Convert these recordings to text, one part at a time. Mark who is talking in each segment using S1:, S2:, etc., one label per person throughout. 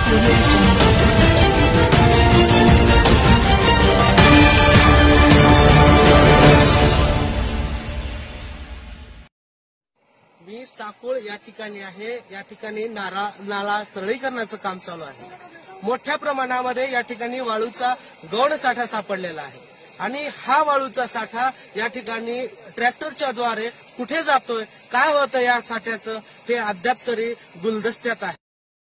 S1: मी साकोळ या ठिकाणी आहे. या ठिकाणी नाला सरळीकरणाचं काम चालू आहे. मोठ्या प्रमाणामध्ये या ठिकाणी वाळूचा गौण साठा सापडलेला आहे आणि हा वाळूचा साठा या ठिकाणी ट्रॅक्टरच्या द्वारे कुठे जातोय, काय होतं या साठ्याचं, हे अद्याप तरी गुलदस्त्यात आहे.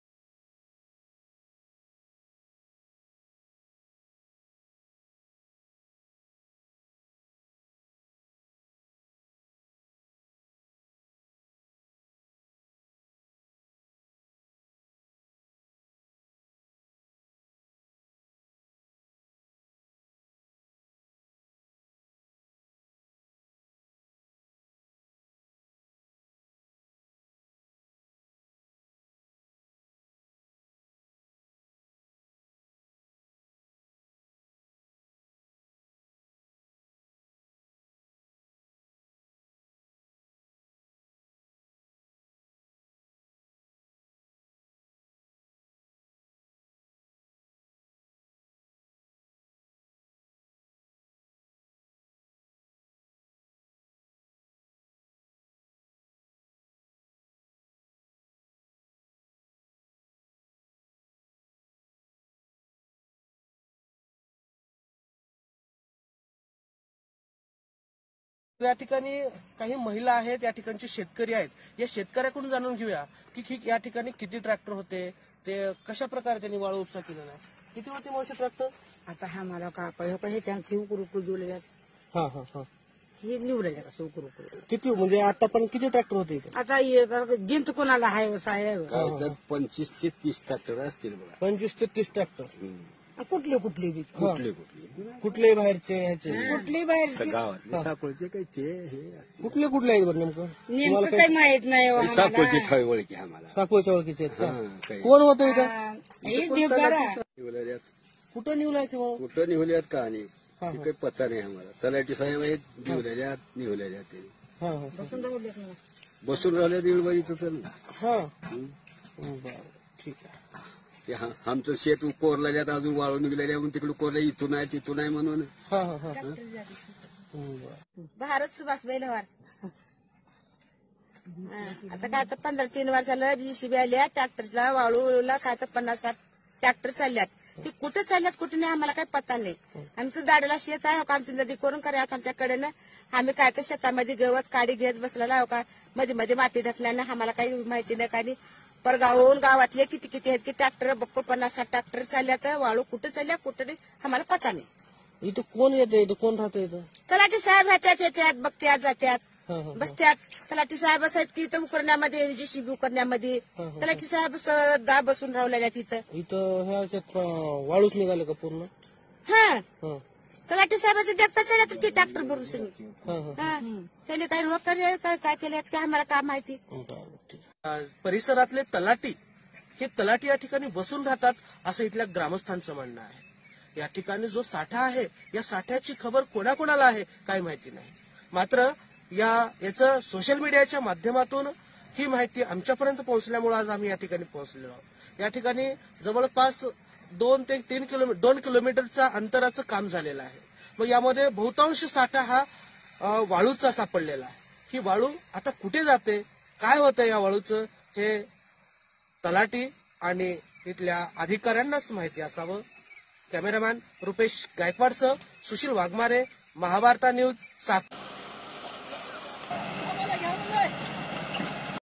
S1: या ठिकाणी काही महिला आहेत, या ठिकाणचे शेतकरी आहेत. या शेतकऱ्याकडून जाणून घेऊया की या ठिकाणी किती ट्रॅक्टर होते, ते कशा प्रकारे त्यांनी वाळू उपसा केलेला आहे. किती होते मावशी ट्रॅक्टर?
S2: आता हा मला का हे त्यांची उकरू दिवले
S1: हा हा हा
S2: हे निवडले का उकरू
S1: किती म्हणजे आता पण किती ट्रॅक्टर होते इथे?
S2: आता गिंत कोणाला आहे साहेब
S3: 25 ते 30 ट्रॅक्टर असतील बघा.
S1: 25 ते 30 ट्रॅक्टर.
S2: कुठले कुठले बी
S1: कुठले बाहेरचे ह्याचे?
S2: कुठले बाहेर
S3: गावातले साकोळचे काही ते हे
S1: कुठले कुठले आहेत बरं नेमकं?
S2: नेमकं काही माहित नाही हो आम्हाला.
S3: साकोळचे ठाई ओळखी आम्हाला.
S1: साकोळच्या ओळखीचे आहेत का?
S3: काही
S1: कोण होतं इथं?
S2: हे देवदारा.
S3: निवल्यात
S1: कुठं निवलायचं मग?
S3: कुठं निवल्यात का आणि ते काही पत्ता नाही आम्हाला. तलाठी साहेब आहेत निवल्यात ते
S1: हा हा
S3: बसून राहिल्या दिवळबाईचं तर
S1: हा बरं ठीक आहे.
S3: ते आमचं शेत कोरलेल्यात अजून वाळू निघलेल्या म्हणून तिकडे कोरल्या इथून आहे तिथून आहे म्हणून.
S1: हा हा हा
S2: भारत सुभाष बैलवार. आता काय तर 15-3 वर्षाला जीसीबी आल्या ट्रॅक्टरला वाळूला काय तर 50-60 ट्रॅक्टर चालल्यात. ते कुठे चालल्यात कुठे नाही आम्हाला काही पत्ता नाही. आमचं दाडला शेत आहे का आमची नदी करून करा आमच्याकडे आम्ही काय तर शेतामध्ये गवत काडी घेत बसलेला आहे का मध्ये मध्ये माती ढकल्यानं आम्हाला काही माहिती नाही काही. परगावून गावातले किती किती आहेत की ट्रॅक्टर बक्कळ 50-60 ट्रॅक्टर चालल्यात. वाळू कुठे चालल्या कुठे नाही आम्हाला पत्ता नाही.
S1: इथं कोण येतं? इथं कोण राहतं? इथं
S2: तलाठी साहेब राहतात येतात बघत्यात जात्यात बसत्यात. तलाठी साहेब आहेत की इथं उकरण्यामध्ये जीसीबी उकरण्यामध्ये तलाठी साहेब सदा बसून राहलेल्या तिथं.
S1: इथं ह्याच्यात वाळूच निघाले का पूर्ण?
S2: हा तलाठी साहेबाचं देखता चालत की ट्रॅक्टर भरून सगळी. त्याने काही रोग काय केले काय आम्हाला काय माहिती.
S1: परिसरातले तलाठी हे तलाठी या ठिकाणी बसून राहतात असं इथल्या ग्रामस्थांचं म्हणणं आहे. या ठिकाणी जो साठा आहे या साठ्याची खबर कोणाकोणाला आहे काय माहिती नाही. मात्र याचं सोशल मीडियाच्या माध्यमातून ही माहिती आमच्यापर्यंत पोहोचल्यामुळे आज आम्ही या ठिकाणी पोहोचलेलो आहोत. या ठिकाणी जवळपास 2 ते 2 किलोमीटरचा अंतराचं काम झालेलं आहे. मग यामध्ये बहुतांश साठा हा वाळूचा सापडलेला आहे. ही वाळू आता कुठे जाते, काय होतं या वाळूचं, हे तलाठी आणि तिथल्या अधिकाऱ्यांनाच माहिती असावं. कॅमेरामॅन रुपेश गायकवाडसह सुशील वाघमारे, महाभारता न्यूज, साकोळ.